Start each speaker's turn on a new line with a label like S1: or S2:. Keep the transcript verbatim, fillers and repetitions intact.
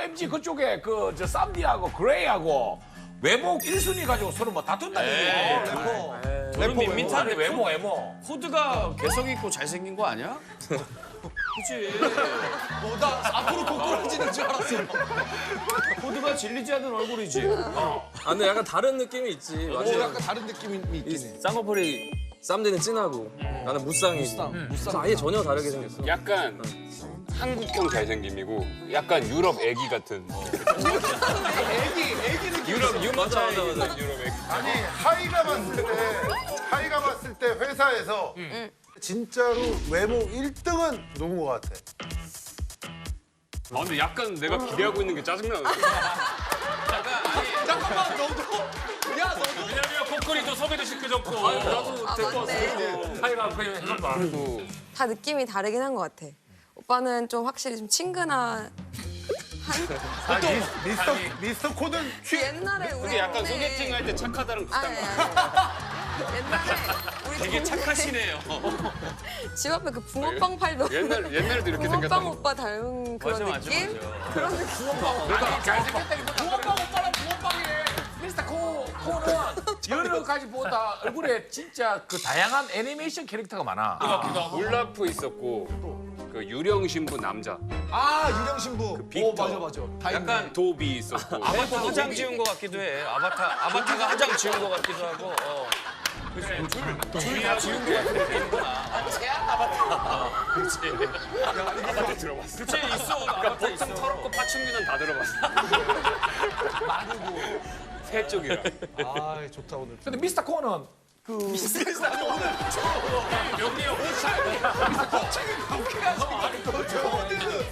S1: 엠지 그쪽에 그 저 쌈디하고 그레이하고 외모 일 순위 가지고 서로 뭐 다툰다는 얘기예요.
S2: 저는 밋밋한데
S1: 아니, 외모 외모.
S2: 코드가 개성 있고 잘생긴 거 아니야? 그치.
S3: 어, 나 앞으로 고꾸라지는 줄 알았어.
S2: 코드가 질리지 않는 얼굴이지.
S4: 아, 근데 약간 다른 느낌이 있지.
S3: 어,
S4: 맞아.
S3: 약간 다른 느낌이 있긴 해.
S4: 쌍꺼풀이 쌈디는 진하고 나는 무쌍이고.
S3: 무쌍, 무쌍.
S4: 아예 전혀 다르게 생겼어.
S5: 약간 한국형 잘생김이고 약간 유럽 애기 같은.
S3: 애기, 애기 느낌.
S5: 유럽 유모차
S4: 맞아, 맞아, 맞아.
S5: 애기, 유럽 애기.
S6: 아니 하이가 봤을 때 하이가 봤을 때 회사에서 진짜로 외모 일 등은 누군 것 같아?
S5: 아 근데 약간 내가 기대하고 있는 게 짜증나.
S3: 잠깐만, 너도? 야, 너도?
S1: 왜냐면 코끼리도 소개도 시켜줬고 나도
S7: 아, 맞네.
S1: 하이가 그냥 해봐.
S7: 다 느낌이 다르긴 한 것 같아. 오빠는 좀 확실히 좀 친근한
S6: 또 미스터 미스터 코든
S7: 그 옛날에 우리
S5: 근데 약간
S7: 동네-
S5: 소개팅 할 때 착하다는
S7: 아니
S5: 비슷한
S7: 아니
S5: 거.
S7: 아니. 옛날에 우리
S2: 되게
S7: 동네
S2: 착하시네요.
S7: 집 앞에 그 붕어빵 팔던
S5: 옛날 옛날에도 이렇게
S7: 붕어빵
S5: 생겼다고.
S7: 오빠 닮은 그런
S2: 맞아, 맞아,
S7: 느낌?
S2: 맞아.
S7: 그런 느낌.
S1: 잘생겼다기보다 붕어빵 오빠랑 붕어빵이래. 미스터 코 코는 여러 가지 보다 얼굴에 진짜 그 다양한 애니메이션 캐릭터가 많아.
S5: 울라프 있었고 그 유령 신부 남자.
S3: 아, 유령 신부. 오,
S5: 빅터.
S3: 맞아, 맞아. 다 있네.
S5: 약간 도비 있었고.
S2: 아바타 화장 지운 거 같기도 해. 아바타, 아바타가 화장 지운 거 같기도 하고. 어. 둘다 지운 거 같은 느낌이구나.
S5: 최악 아바타. 그렇지. 아바타 들어봤어.
S2: 그치, 있어. 아바타
S5: 보통
S2: 있어.
S5: 털없고 파충류는 다 들어봤어. 마르고 새 쪽이라.
S3: 아, 좋다, 오늘.
S1: 근데 미스터 코는 그
S3: 어디는